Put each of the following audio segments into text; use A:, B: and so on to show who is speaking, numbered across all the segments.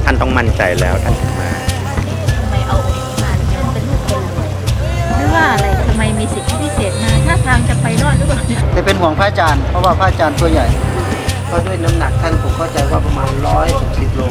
A: ท่านต้องมั่นใจแล้วท่านถึงมา
B: ทำไมเอาองค์นี้มาท่านเป็นลูกคนรวยหรือว่าอะไรทำไมมีสิทธิพิเศษมาถ้าทางจะไปรอดหรือเปล่าเนี่ย
C: แต่เป็นห่วงพระอาจารย์เพราะว่าพระอาจารย์ตัวใหญ่เพราะด้วยน้ำหนักท่านผมเข้าใจว่าประมาณ160 โล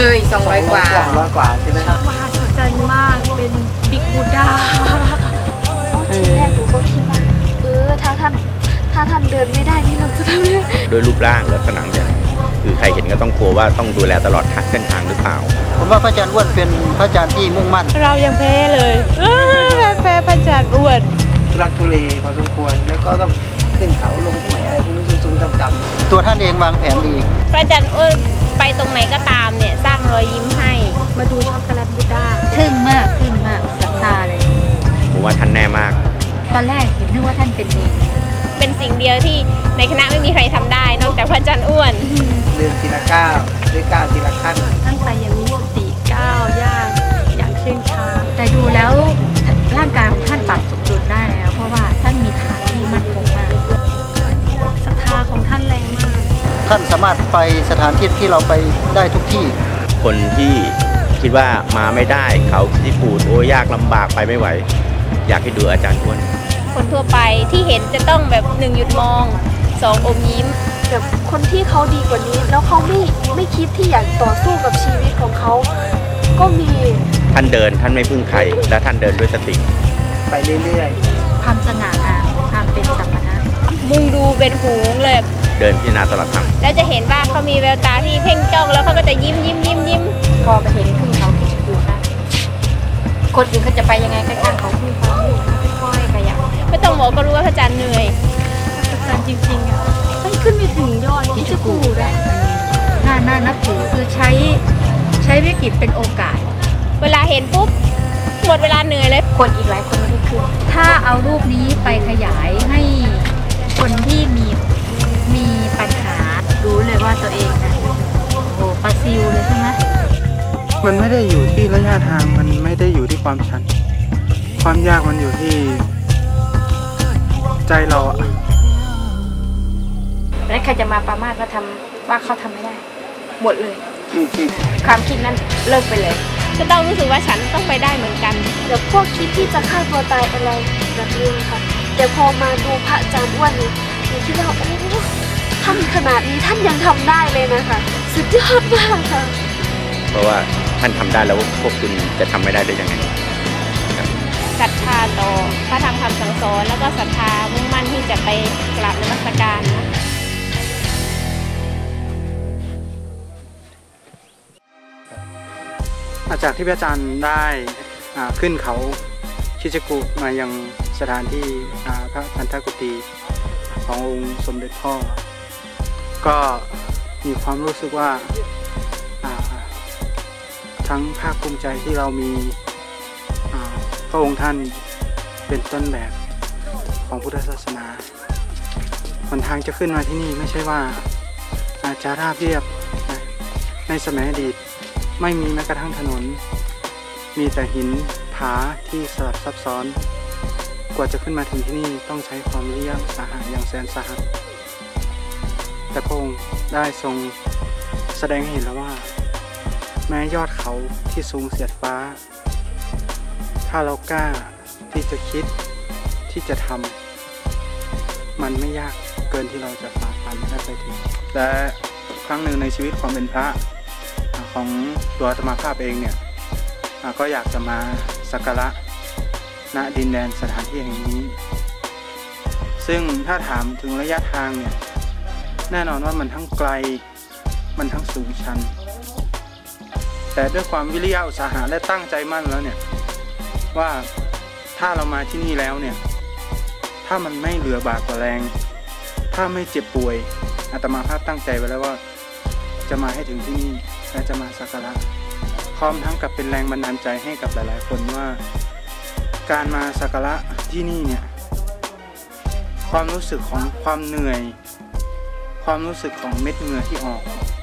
D: 200 กว่า
C: 200 กว่าใช่ไหมครับ
E: มหัศจรรย์มากเป็นบิ๊กบูดา
D: ทีแรกหนูก็คิดว่าถ้าท่านเดินไม่ได้นี่เราจะทำยังไง
A: โดยรูปร่างและผนังอย่างคือใครเห็นก็ต้องกลัวว่าต้องดูแลตลอดเส้นทางหรือเปล่า
C: ผมว่าพระอาจารย์อ้วนเป็นพระอาจารย์ที่มุ่งมั่น
E: เรายังแพ้เลยแพ้พระอาจารย์อ้วน
C: รักทุเลพอสมควรแล้วก็ต้องขึ้นเขาลงห้วยอะไรพวกนี้สูงๆต่ำๆตัวท่านเองวางแผนดี
B: พระอาจารย์อ้วนไปตรงไหนก็ตามเนี่ยสร้างรอยยิ้มให้
E: มาดูช็อกโกแลตบูดา
B: ทึ่งมากศรัทธาเลย
A: ผมว่าท่านแน่มาก
B: ตอนแรกเห็นนึกว่าท่านเป็นเองเป็นสิ่งเดียวที่ในคณะไม่มีใครทำได้นอกจากพระอาจารย์อ้วน
C: เดินทีละก้าวด้วยก้าวทีละขั้น
E: ท่านไปอย่างมีสติก้าวย่างอย่างเชื่องช้า
B: แต่ดูแล้วร่างกายของท่านปรับสมดุลได้แล้วเพราะว่าท่านมีฐานที่มั่นคงมาก
E: ศรัทธาของท่านแรงมาก
C: ท่านสามารถไปสถานที่ที่เราไปได้ทุกที่
A: คนที่คิดว่ามาไม่ได้เขาที่ปูดโอ้ยากลำบากไปไม่ไหวอยากให้ดูอาจารย์อ้วน
B: คนทั่วไปที่เห็นจะต้องแบบ1หยุดมอง2อมยิ้ม
D: แบบคนที่เขาดีกว่านี้แล้วเขาไม่คิดที่อยากต่อสู้กับชีวิตของเขาก็มี
A: ท่านเดินท่านไม่พึ่งใครและท่านเดินด้วยสติ
C: ไปเรื่อย
B: ๆความสง่างามความเป็นสัมมานะมุ่งดูเป็นหูเลย
A: เดินพิจารณาตลอดทาง
B: แล้วจะเห็นว่าเขามีแววตาที่เพ่งจ้องแล้วเขาก็จะยิ้มพอไปเห็นขึ้นเขาคิดดูนะคนอื่นเขาจะไปยังไงข้างๆเขาขึ้นเขาค่อยๆขยับไม่ต้องบอกก็รู้ว่าพระอาจารย์เหนื่อย
E: พระอาจารย์จริงๆอ่ะท่านขึ้นไปถึงยอดที่จะกูได้
B: น่านับถือคือใช้วิกฤตเป็นโอกาสเวลาเห็นปุ๊บหมดเวลาเหนื่อยเลยคนอีกหลายคนไม่ได้ขึ้นถ้าเอารูปนี้ไปขยายให้คนที่มีปัญหารู้เลยว่าตัวเองนะโอ้โหปลาซิวเลยใช่ไหม
F: มันไม่ได้อยู่ที่ระยะทางมันไม่ได้อยู่ที่ความชันความยากมันอยู่ที่ใจเราอะ
B: แล้วใครจะมาประมาทว่าเขาทำไม่ได้หมดเลยความคิดนั้นเลิกไปเลยจะต้องรู้สึกว่าฉันต้องไปได้เหมือนกัน
D: เดี๋ยวพวกคิดที่จะฆ่าตัวตายอะไรแบบนี้ค่ะแต่พอมาดูพระอาจารย์อ้วนนี่หนูคิดว่าโอ้ท่านขนาดนี้ท่านยังทำได้เลยนะคะสุดยอดมากค่ะ
A: เพราะว่าท่านทำได้แล้วพวกคุณจะทำไม่ได้ได้ยังไง
B: ศรัทธาต่อพระธรรมคำสั่งสอนแล้วก็ศรัทธามุ่งมั่นที่จะไปกราบนมัสการ
F: จากที่พระอาจารย์ได้ขึ้นเขาชิชกุมายังสถานที่พระพันธกุฏีขององค์สมเด็จพ่อก็มีความรู้สึกว่าทั้งภาคภูมิใจที่เรามีพระองค์ท่านเป็นต้นแบบของพุทธศาสนาหนทางจะขึ้นมาที่นี่ไม่ใช่ว่าจะราบเรียบในสมัยอดีตไม่มีแม้กระทั่งถนนมีแต่หินผาที่สลับซับซ้อนกว่าจะขึ้นมาถึงที่นี่ต้องใช้ความวิริยะอุตสาหะอย่างแสนสาหัสแต่พระองค์ได้ทรงแสดงให้เห็นแล้วว่าแม้ยอดเขาที่สูงเสียดฟ้าถ้าเรากล้าที่จะคิดที่จะทำมันไม่ยากเกินที่เราจะฝ่าฟันและไปถึงและครั้งหนึ่งในชีวิตความเป็นพระของตัวอาตมาภาพเองเนี่ยก็อยากจะมาสักการะณดินแดนสถานที่แห่งนี้ซึ่งถ้าถามถึงระยะทางเนี่ยแน่นอนว่ามันทั้งไกลมันทั้งสูงชันแต่ด้วยความวิริยะอุตสาหะและตั้งใจมั่นแล้วเนี่ยว่าถ้าเรามาที่นี่แล้วเนี่ยถ้ามันไม่เหลือบากกว่าแรงถ้าไม่เจ็บป่วยอาตมาภาพตั้งใจไว้แล้วว่าจะมาให้ถึงที่นี่และจะมาสักการะพร้อมทั้งกับเป็นแรงบันดาลใจให้กับหลายๆคนว่าการมาสักการะที่นี่เนี่ยความรู้สึกของความเหนื่อยความรู้สึกของเม็ดเหงื่อที่ออก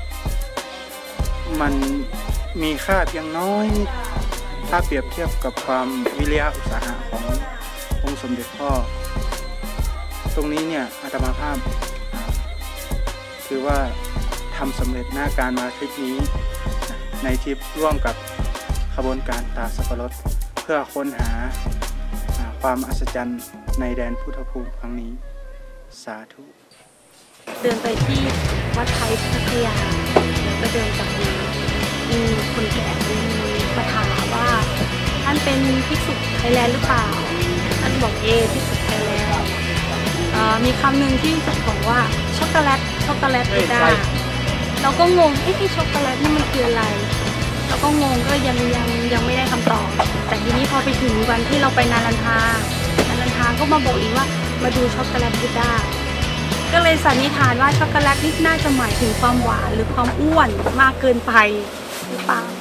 F: มันมีค่าเพียงน้อยถ้าเปรียบเทียบกับความวิริยะอุตสาหะขององค์สมเด็จพ่อตรงนี้เนี่ยอาตมาภาพถือว่าทำสำเร็จหน้าการมาทริปนี้ในทริปร่วมกับขบวนการตาสับปะรดเพื่อค้นหาความอัศจรรย์ในแดนพุทธภูมิครั้งนี้สาธุ
E: เดินไปที่วัดไทยพัทยาแล้วก็เดินจากนี้มีคนแก่มีมาถามว่าท่านเป็นภิกษุไทยแลนด์หรือเปล่าท่านบอกภิกษุไทยแลนด์มีคำหนึ่งที่บอกว่าช็อกโกแลตบูดาเราก็งงที่ช็อกโกแลตนี่มันคืออะไรเราก็งงก็ยังไม่ได้คำตอบแต่ทีนี้พอไปถึงวันที่เราไปนารันทาก็มาบอกอีกว่ามาดูช็อกโกแลตบูดาก็เลยสันนิษฐานว่าช็อกโกแลตนี่น่าจะหมายถึงความหวานหรือความอ้วนมากเกินไปหรือเปล่า